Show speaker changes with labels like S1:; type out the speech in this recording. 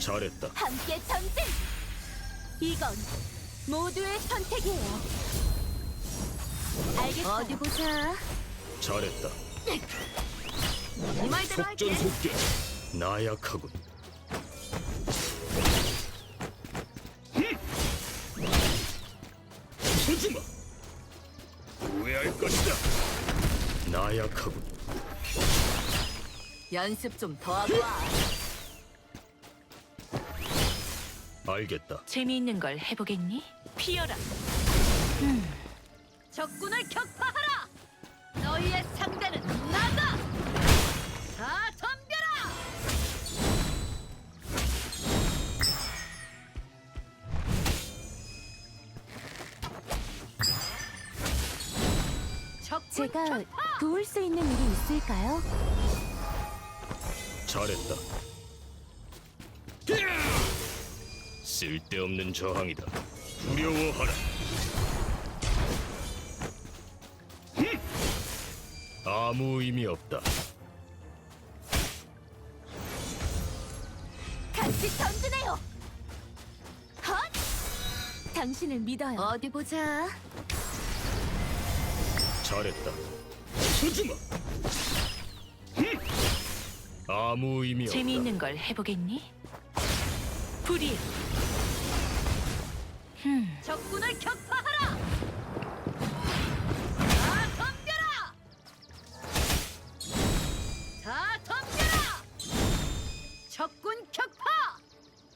S1: 잘했다.
S2: 함께 전진! 이건 모두의 선택이에요. 알겠어. 어디 보자.
S1: 잘했다.
S2: 이 말대로 할게.
S1: 속전속결. 나약하군. 서지마. 후회할 것이다. 나약하군.
S2: 연습 좀 더 하고 와.
S1: 알겠다.
S3: 재미있는 걸 해보겠니? 피어라.
S2: 적군을 격파하라! 너희의 상대는 나다! 다 덤벼라! 적군
S4: 제가
S2: 격파!
S4: 도울 수 있는 일이 있을까요?
S1: 잘했다. 쓸데없는 저항이다. 두려워하라. 아무 의미 없다.
S2: 같이 전진해요! 헛! 당신을 믿어요. 어디 보자.
S1: 잘했다. 서지마. 아무 의미 없다.
S3: 재미있는 걸 해보겠니? 불이야.
S2: 적군을 격파하라!